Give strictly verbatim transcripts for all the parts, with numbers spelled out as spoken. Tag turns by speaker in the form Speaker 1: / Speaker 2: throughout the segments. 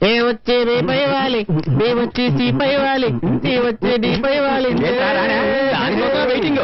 Speaker 1: ఏ వచ్చే రే పైవాలి, బే వచ్చే సి పైవాలి, సి వచ్చే డి పైవాలి.
Speaker 2: వెయిటింగ్.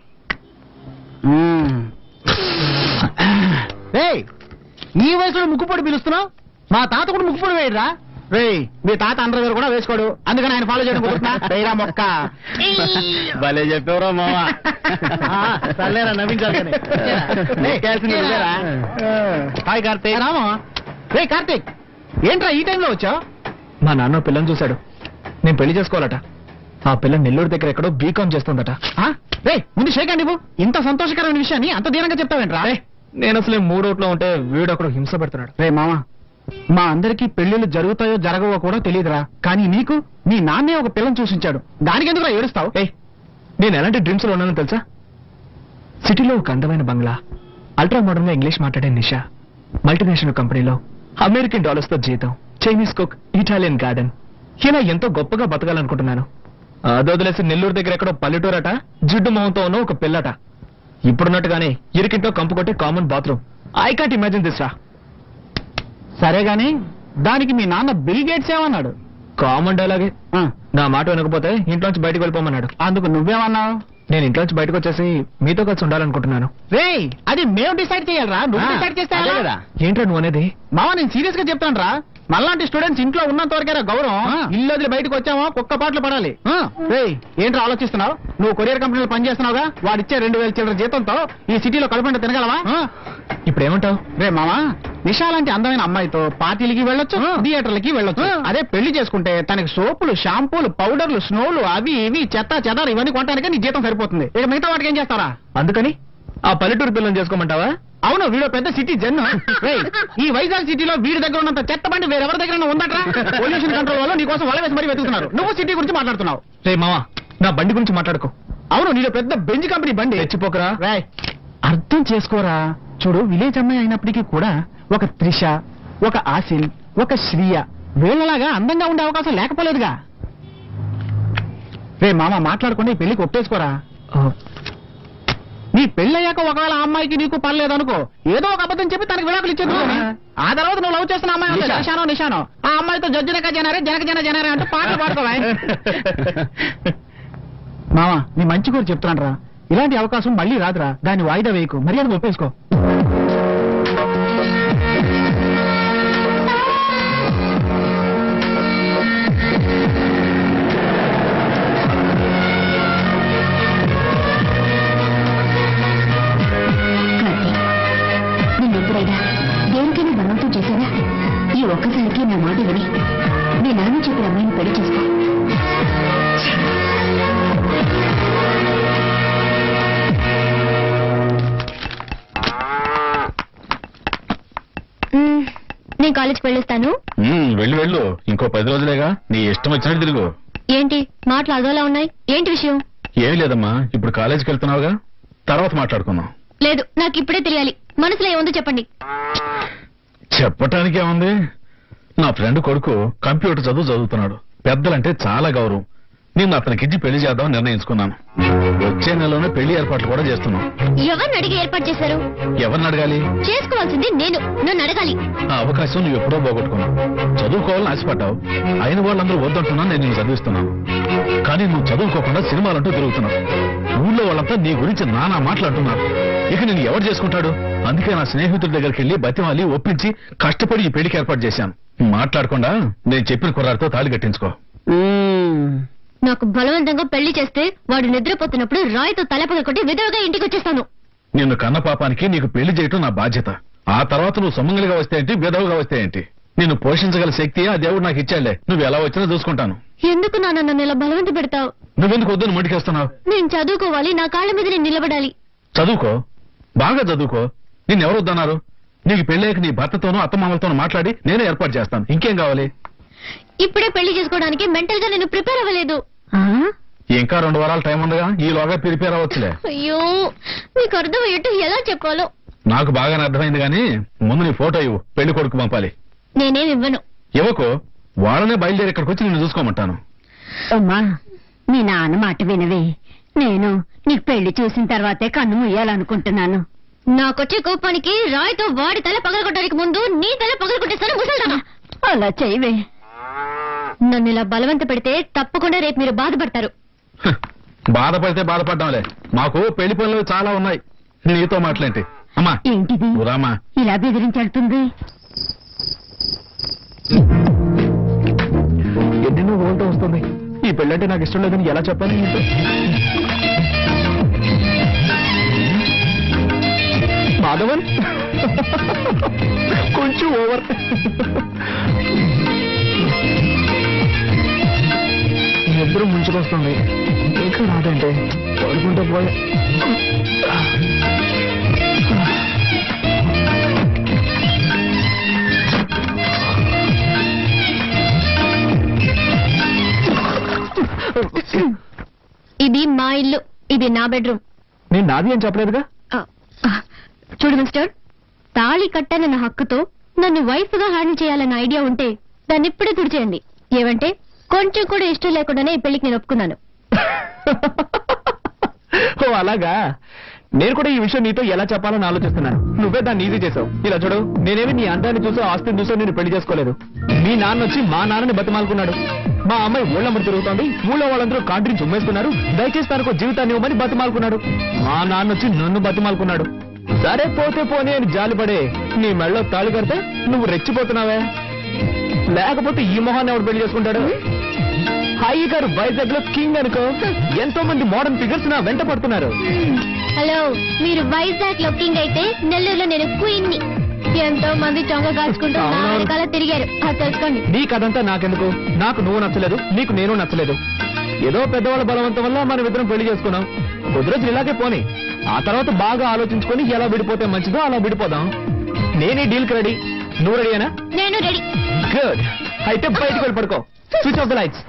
Speaker 1: ఈ వయసులో ముక్కుపొడి పిలుస్తున్నావు? మా తాత కూడా ముక్కుపొడి వేయరా? రే మీ తాత అండర్వేర్ కూడా వేసుకోడు, అందుకని ఆయన ఫాలో చేయడం కుదురుతున్నా. వేయరా మొక్క.
Speaker 2: భలే చెప్పేవరా మావా.
Speaker 1: సర్లేరా నవ్వించాలి. హాయ్ కార్తీక్. రామా. రే కార్తీక్, ఏంట్రా ఈ టైంలో వచ్చావు?
Speaker 2: మా నాన్న పిల్లని చూశాడు, నేను పెళ్లి చేసుకోవాలట. ఆ పిల్ల నెల్లూరు దగ్గర ఎక్కడో బీకామ్ చేస్తుందట.
Speaker 1: రే ముందు షేక్ అండి, ఇంత సంతోషకరమైన విషయాన్ని అంత దీనంగా చెప్తావేంట్రా?
Speaker 2: నేను అసలే మూడోట్లో ఉంటే వీడు అక్కడ హింస పెడుతున్నాడు.
Speaker 1: రే మామా, మా అందరికీ పెళ్లిళ్ళు జరుగుతాయో జరగవో కూడా తెలియదురా, కానీ నీకు నీ నాన్నే ఒక పిల్లని చూసించాడు, దానికి ఎందుకురా ఏడుస్తావు?
Speaker 2: ఏ నేను ఎలాంటి డ్రీమ్స్ లో ఉన్నానో తెలుసా? సిటీలో ఒక అందమైన బంగ్లా, అల్ట్రా మోడర్న్ గా ఇంగ్లీష్ మాట్లాడే నిషా, మల్టీనేషనల్ కంపెనీలో అమెరికన్ డాలర్స్ తో జీతం, చైనీస్ కుక్, ఇటాలియన్ గార్డెన్. ఇలా ఎంతో గొప్పగా బతకాలనుకుంటున్నాను. అదొదిలేసి నెల్లూరు దగ్గర ఎక్కడో పల్లెటూరట, జిడ్డు మొహంతో ఉన్న ఒక పిల్లట. ఇప్పుడున్నట్టుగానే ఇరికింట్లో కంపు కొట్టే common bathroom. I can't imagine this రా.
Speaker 1: సరే గాని దానికి మీ నాన్న బిల్ గేట్స్ ఏమన్నాడు?
Speaker 2: కామన్ డైలాగే. నా మాట వినకపోతే ఇంట్లోంచి బయటకు వెళ్ళిపోమన్నాడు.
Speaker 1: అందుకు నువ్వేమన్నావు?
Speaker 2: నేను ఇంట్లోంచి బయటకు వచ్చేసి మీతో కలిసి ఉండాలనుకుంటున్నాను.
Speaker 1: రే అది మేము డిసైడ్ చేయాలరా, నువ్వు డిసైడ్ చేస్తే కదా.
Speaker 2: ఏంట్రా నువ్వు అనేది?
Speaker 1: మావా నేను సీరియస్ గా చెప్తాను రా, మళ్ళాంటి స్టూడెంట్స్ ఇంట్లో ఉన్నంత వరకేరా గౌరవం. ఇల్లు వదిలి బయటకు వచ్చామో కుక్క పాటలు పడాలి. రే ఏంట్రా ఆలోచిస్తున్నావు? నువ్వు కొరియర్ కంపెనీలో పనిచేస్తున్నావుగా, వాడిచ్చే రెండు వేల చిల్లర జీతంతో ఈ సిటీలో కడుపుంట తినగలవా?
Speaker 2: ఇప్పుడు ఏమంటావు?
Speaker 1: రే మామా, నిషా లాంటి అందమైన అమ్మాయితో పార్టీలకి వెళ్ళొచ్చు, థియేటర్లకి వెళ్ళొచ్చు. అదే పెళ్లి చేసుకుంటే తనకి సోపులు, షాంపూలు, పౌడర్లు, స్నోలు, అవి ఇవి చెత్త చెదారు ఇవన్నీ కొనడానికి నీ జీతం సరిపోతుంది. ఇక మిగతా వాటికి ఏం చేస్తారా?
Speaker 2: అందుకని ఆ పల్లెటూరు పిల్లని చేసుకోమంటావా?
Speaker 1: అవును, వీడు పెద్ద సిటీ జన్ను. ఈ వైజాగ్ సిటీలో వీడి దగ్గర ఉన్నంత చెత్త బండి వేరెవరి దగ్గర ఉందట్రా? పొల్యూషన్ కంట్రోల్ వల్ల నీకోసం వల వేసి మరీ వెతుకుతున్నారు. నువ్వు సిటీ గురించి మాట్లాడుతున్నావు.
Speaker 2: రే మావా, నా బండి గురించి మాట్లాడుకో.
Speaker 1: అవును, నీలో పెద్ద బెంజ్ కంపెనీ బండి.
Speaker 2: తెచ్చిపోకరా.
Speaker 1: రాయ్ అర్థం చేసుకోరా. చూడు, విలేజ్ అమ్మాయి అయినప్పటికీ కూడా ఒక త్రిష, ఒక ఆసిల్, ఒక శ్రీయ వీళ్ళలాగా అందంగా ఉండే అవకాశం లేకపోలేదుగా. రే మామ మాట్లాడకుండా ఈ పెళ్లికి ఒప్పేసుకోరా. నీ పెళ్ళయ్యాక ఒకవేళ ఆ అమ్మాయికి నీకు పర్లేదనుకో, ఏదో ఒక అబద్ధం చెప్పి తనకి విడాకులు ఇచ్చేది. ఆ తర్వాత నువ్వు లవ్ చేస్తున్న అమ్మాయి నిషానో నిషానో ఆ అమ్మాయితో జడ్జినక జనారే జనక జన జనారే అంటూ పాటలు పాడుకోవా. మామ నీ మంచి కూడా చెప్తున్నాను రా, ఇలాంటి అవకాశం మళ్ళీ రాదురా. దాన్ని వాయిదా వేయకు, మర్యాద ఒప్పేసుకో.
Speaker 3: దేనికైనా బలవంతం చేశానా? ఈ ఒక్కసారికి నా మాట విని మీ నాన్న చెప్పిన అమ్మాయిని పెళ్లి చేసుకో. నేను కాలేజ్కి వెళ్ళొస్తాను.
Speaker 2: వెళ్ళు వెళ్ళు, ఇంకో పది రోజులేగా, నీ ఇష్టం వచ్చినట్టు తిరుగు.
Speaker 3: ఏంటి మాటలు అదోలా ఉన్నాయి? ఏంటి విషయం?
Speaker 2: ఏమి లేదమ్మా, ఇప్పుడు కాలేజీకి వెళ్తున్నావుగా, తర్వాత మాట్లాడుకుందాం.
Speaker 3: లేదు, నాకు ఇప్పుడే తెలియాలి. మనసులో ఏముందో చెప్పండి.
Speaker 2: చెప్పటానికి ఏముంది, నా ఫ్రెండ్ కొడుకు కంప్యూటర్ చదువు చదువుతున్నాడు. పెద్దలంటే చాలా గౌరవం. నేను అతనికిచ్చి పెళ్లి చేద్దామని నిర్ణయించుకున్నాను. వచ్చే నెలలోనే పెళ్లి ఏర్పాట్లు కూడా చేస్తున్నాం.
Speaker 3: ఎవరిని అడిగి ఏర్పాటు చేశారు?
Speaker 2: ఎవరిని అడగాలి?
Speaker 3: చేసుకోవాల్సింది నేను, నన్ను అడగాలి.
Speaker 2: ఆ అవకాశం నువ్వు ఎప్పుడో పోగొట్టుకున్నావు. చదువుకోవాలని ఆశపడ్డావు, అయిన వాళ్ళందరూ వద్దంటున్నా నేను నిన్ను చదివిస్తున్నాను. కానీ నువ్వు చదువుకోకుండా సినిమాలంటూ తిరుగుతున్నావు. ఊళ్ళో వాళ్ళంతా నీ గురించి నానా మాట్లాడుతున్నారు. ఇక నేను ఎవరు చేసుకుంటాడు? అందుకే నా స్నేహితుడి దగ్గరికి వెళ్లి బతిమాలి ఒప్పించి కష్టపడి ఈ పెళ్లికి ఏర్పాటు చేశాను. మాట్లాడకుండా నేను చెప్పిన కుర్రాడితో తాళి కట్టించుకో.
Speaker 3: నాకు బలవంతంగా పెళ్లి చేస్తే వాడు నిద్రపోతున్నప్పుడు రాయితో తలపగ కొట్టి విధవగా ఇంటికి వచ్చేస్తాను.
Speaker 2: నిన్ను కన్న పాపానికి నీకు పెళ్లి చేయటం నా బాధ్యత. ఆ తర్వాత నువ్వు సుమంగలిగా వస్తే ఏంటి, విధవగా వస్తే ఏంటి, నిన్ను పోషించగల శక్తి ఆ దేవుడు నాకు ఇచ్చాడులే. నువ్వు ఎలా వచ్చినా చూసుకుంటాను.
Speaker 3: ఎందుకు నాన్న నన్ను ఇలా బలవంత పెడతావు?
Speaker 2: నువ్వెందుకు వద్దని మొండికేస్తున్నావు?
Speaker 3: నేను చదువుకోవాలి, నా కాళ్ళ మీద నేను నిలబడాలి.
Speaker 2: చదువుకో, బాగా చదువుకో. నిన్నెవరు వద్దన్నారు? నీకు పెళ్ళాక నీ భర్తతోనూ అత్తమామలతోనూ మాట్లాడి నేనే ఏర్పాటు చేస్తాను. ఇంకేం కావాలి?
Speaker 3: ఇప్పుడే పెళ్లి చేసుకోవడానికి మెంటల్ గా నేను ప్రిపేర్ అవ్వలేదు.
Speaker 2: ఇంకా రెండు వారాల టైం ఉందిగా, ఈలోగా ప్రిపేర్ అవ్వచ్చులే.
Speaker 3: అయ్యో, మీకు అర్థమయ్యేట్టు ఎలా చెప్పాలో
Speaker 2: నాకు బాగానే అర్థమైంది. కానీ ముందు నీ ఫోటో ఇవ్వు, పెళ్లి కొడుకు పంపాలి.
Speaker 3: నేనేం ఇవ్వను.
Speaker 2: ఇవ్వకు, వాళ్ళనే బయలుదేరి ఇక్కడికి వచ్చి నిన్ను చూసుకోమంటాను.
Speaker 3: అమ్మా, మీ నాన్న మాట వినవే. నేను నీకు పెళ్లి చూసిన తర్వాతే కన్ను ముయ్యాలనుకుంటున్నాను. నాకొచ్చే కోపానికి రాయితో వాడి తల పగలగొట్టడానికి ముందు నీ తల పగలగొట్టేస్తాను ముసల్దానా. అలా చేయవే. నన్ను ఇలా బలవంత పెడితే తప్పకుండా రేపు మీరు బాధపడతారు.
Speaker 4: హ, బాధపడితే బాధపడ్డాంలే, మాకు పెళ్లి పనులు చాలా ఉన్నాయి. నీతో మాట్లాంటి అమ్మా.
Speaker 3: ఏంటిది
Speaker 4: నువ్వు రామ్మా.
Speaker 3: ఇలా బెదిరించెళ్తుంది?
Speaker 2: ఎన్నెన్నో ఊళ్ళతో వస్తుంది. ఈ పెళ్ళంటే నాకు ఇష్టం లేదని ఎలా చెప్పాలి నీతో? మాధవన్ కొంచెం ఓవర్. నిద్ర ముంచుకొస్తుంది, ఇంకా రాదంటే పడుకుంటూ పోయా.
Speaker 3: ఇది మా ఇల్లు, ఇది నా బెడ్రూమ్.
Speaker 2: నేను నాది అని చెప్పలేదుగా.
Speaker 3: చూడు మిస్టర్, తాళి కట్టనన్న హక్కుతో నన్ను వైఫ్ గా హ్యాండిల్ చేయాలన్న ఐడియా ఉంటే దాన్ని ఇప్పుడే తుడిచేయండి. ఏమంటే కొంచెం కూడా ఇష్టం లేకుండానే ఈ పెళ్లికి నేను ఒప్పుకున్నాను.
Speaker 2: ఓ అలాగా. నేను కూడా ఈ విషయం నీతో ఎలా చెప్పాలని ఆలోచిస్తున్నాను. నువ్వే దాన్ని ఈజీ చేసావు. ఇలా చూడు, నేనేమి నీ అందాన్ని చూసో ఆస్తిని చూసో నేను పెళ్లి చేసుకోలేదు. మీ నాన్న వచ్చి మా నాన్నని బతిమాలుకున్నాడు. మా అమ్మాయి ఊళ్ళమ్మడి తిరుగుతోంది, ఊళ్ళో వాళ్ళందరూ కాంట్రించి ఉమ్మేస్తున్నారు, దయచేసి తనకు జీవితాన్ని ఇవ్వమని బతిమాలుకున్నాడు. మా నాన్న వచ్చి నన్ను బతిమాలుకున్నాడు. సరే పోతే పోనీ అని జాలిపడే నీ మెళ్ళో తాళి కడితే నువ్వు రెచ్చిపోతున్నావే. లేకపోతే ఈ మొహాన్ని ఎవడు పెళ్లి చేసుకుంటాడు? హాయి గారు వైజాగ్ లో కింగ్ అనుకో, ఎంతో మంది మోడర్న్ ఫిగర్స్ నా వెంట పడుతున్నారు.
Speaker 3: హలో, మీరు వైజాగ్ లో కింగ్ అయితే నెల్లూరులో నేను క్వీన్ ని. ఎంతో మంది చొంగ కాచుకుంటూ నా వెనకాల తిరిగారు, అది తెలుసుకోండి.
Speaker 2: నీ కథంతా నాకెందుకు? నాకు నువ్వు నచ్చలేదు, నీకు నేను నచ్చలేదు. ఏదో పెద్దవాళ్ళ బలవంతం వల్ల మనం ఇద్దరం పెళ్లి చేసుకున్నాం. కొద్ది రోజులు ఇలాగే పోనీ, ఆ తర్వాత బాగా ఆలోచించుకొని ఎలా విడిపోతే మంచిదో అలా విడిపోదాం. నేనే డీల్ కి రెడీ. నువ్వు రెడీనా?
Speaker 3: నేను రెడీ.
Speaker 2: గుడ్. అయితే బయటకు వెళ్ళి పడుకో. Switch off the lights.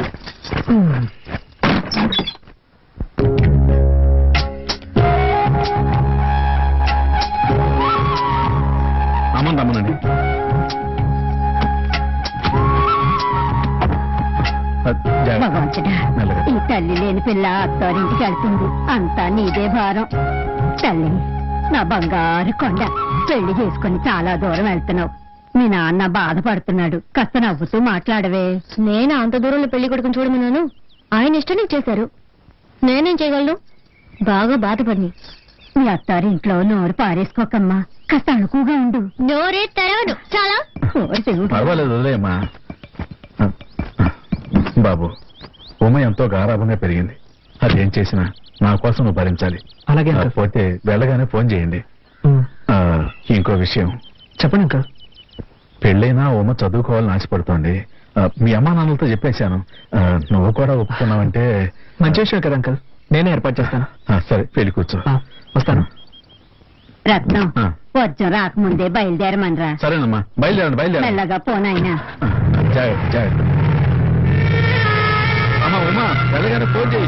Speaker 4: అమ్మని రమ్మనండి.
Speaker 3: భగవంతుడా,
Speaker 4: మెల్లగా.
Speaker 3: ఈ తల్లి లేని పిల్ల అత్తారింటికి వెళ్తుంది. అంతా నీదే భారం. తల్లి, నా బంగారు కొండ, పెళ్లి చేసుకుని చాలా దూరం వెళ్తున్నావు. మీ నాన్న బాధపడుతున్నాడు, కాస్త నవ్వుతూ మాట్లాడవే. నేను అంత దూరంలో పెళ్లి కొడుకుని చూడమన్నాను, ఆయన ఇష్టం నీకు చేశారు. నేనేం చేయగలను? బాగా బాధపడి మీ అత్తారి ఇంట్లో నోరు పారేసుకోకమ్మా, కాస్త అణుకుగా ఉండు. నోరే తెరవడు చాలా.
Speaker 4: పర్వాలేదు, వదిలేయమ్మా. బాబు, ఉమ ఎంతో గారాభంగా పెరిగింది. అదేం చేసినా నా కోసం నువ్వు భరించాలి.
Speaker 2: అలాగే
Speaker 4: ఆ, పోతే వెళ్ళగానే ఫోన్ చేయండి. ఆ, ఇంకో విషయం
Speaker 2: చెప్పండి అంకల్.
Speaker 4: పెళ్ళైనా ఉమ చదువుకోవాలని ఆశపడుతోంది. ఆ, మీ అమ్మా నాన్నలతో చెప్పేశాను. ఆ, నువ్వు కూడా ఒప్పుకున్నావంటే
Speaker 2: మంచి విషయం కదా అంకల్, నేనే ఏర్పాటు చేస్తాను.
Speaker 4: ఆ, సరే పెళ్లి కూర్చో.
Speaker 2: ఆ, వస్తాను.
Speaker 3: రత్నం,
Speaker 4: ఆ.
Speaker 3: వర్జం రాకముందే బయలుదేరమనరా.
Speaker 4: సరేనమ్మా, బయలుదేరండి బయలుదేరండి.
Speaker 3: మెల్లగా పోనాయినా.
Speaker 4: ఆ, జాగ్రత్త జాగ్రత్త. అమ్మా ఉమా, వెళ్ళగానే ఫోన్ చేయి.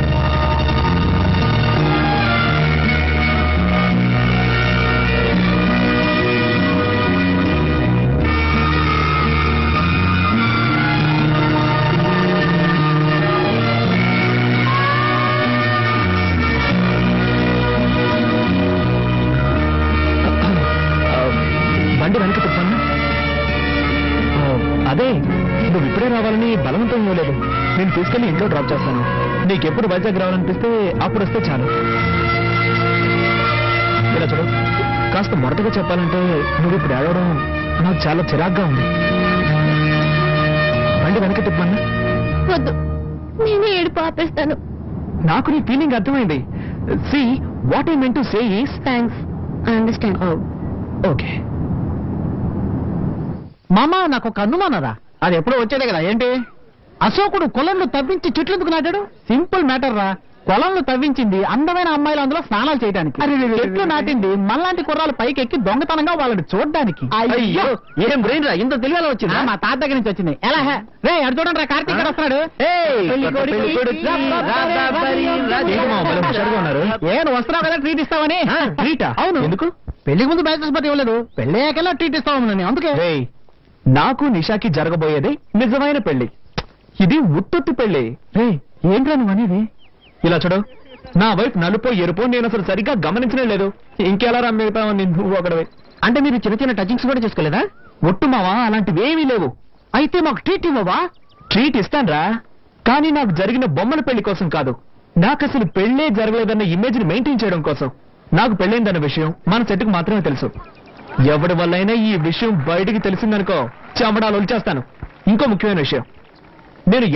Speaker 2: బండి వెనక తిప్పాను. అదే, నువ్వు ఇప్పుడే రావాలని బలవంతం ఇవ్వలేదు. నేను తీసుకెళ్లి ఇంట్లో డ్రాప్ చేస్తాను. నీకెప్పుడు వైజాగ్ రావాలనిపిస్తే అప్పుడు వస్తే చాలు. ఇలా చూడు, కాస్త మొరటగా చెప్పాలంటే నువ్వు ఇప్పుడు ఏడవడం నాకు చాలా చిరాగ్గా ఉంది. బండి వెనక తిప్పన్నా.
Speaker 3: వద్దు, నేనే ఏడుపు ఆపేస్తాను.
Speaker 2: నాకు నీ ఫీలింగ్ అర్థమైంది. See what I meant to say is
Speaker 3: thanks, I understand.
Speaker 2: Okay.
Speaker 1: మామ, నాకు ఒక అనుమానరా. అది ఎప్పుడో వచ్చేదే కదా. ఏంటి? అశోకుడు కొలంలో తవ్వించి చెట్లు ఎందుకు నాటాడు? సింపుల్ మ్యాటర్ రా. కొలంలో తవ్వించింది అందమైన అమ్మాయిలు అందులో స్నానాలు చేయడానికి. చెట్లు నాటింది మనలాంటి కుర్రాలు పైకి ఎక్కి దొంగతనంగా వాళ్ళని చూడడానికి.
Speaker 2: అయ్యో, ఏం బ్రెయిన్ రా, ఇంత తెలియాలో వచ్చింది.
Speaker 1: మా తాత దగ్గర నుంచి వచ్చింది. ఎలా హే రే, అటు చూడండి రా, కార్తీక్ గారు వస్తున్నాడు. ఏ నువ్వు వస్తున్నావు కదా ట్రీట్ ఇస్తావని.
Speaker 2: ట్రీటా?
Speaker 1: అవును.
Speaker 2: ఎందుకు?
Speaker 1: పెళ్లికి ముందు బ్యాచెస్ పతి ఇవ్వలేదు, పెళ్లి అయ్యాకల్లా ట్రీట్ ఇస్తావు నేను. అందుకే
Speaker 2: రేయ్, నాకు నిషాకి జరగబోయేది నిజమైన పెళ్లి. ఇది ఉత్తొత్తి పెళ్లి. రే, ఏంట్రా నువ్వు అనేది? ఇలా చూడు, నా వైపు నలుపో ఎరుపో నేను అసలు సరిగ్గా గమనించనే లేదు. ఇంకెలా రమ్మిగుతావు నువ్వు ఒకడవే.
Speaker 1: అంటే మీరు చిన్న చిన్న టచింగ్స్ కూడా చేసుకోలేదా?
Speaker 2: ఒట్టు మావా, అలాంటివేమీ లేవు.
Speaker 1: అయితే మాకు ట్రీట్ ఇవ్వవా?
Speaker 2: ట్రీట్ ఇస్తాన్రా, కానీ నాకు జరిగిన బొమ్మల పెళ్లి కోసం కాదు. నాకు అసలు పెళ్లే జరగలేదన్న ఇమేజ్ ని మెయింటైన్ చేయడం కోసం. నాకు పెళ్ళైందన్న విషయం మన చెట్టుకు మాత్రమే తెలుసు. ఎవడి వల్లైనా ఈ విషయం బయటికి తెలిసిందనుకో చెమడాలు వచ్చేస్తాను. ఇంకో ముఖ్యమైన విషయం, నేను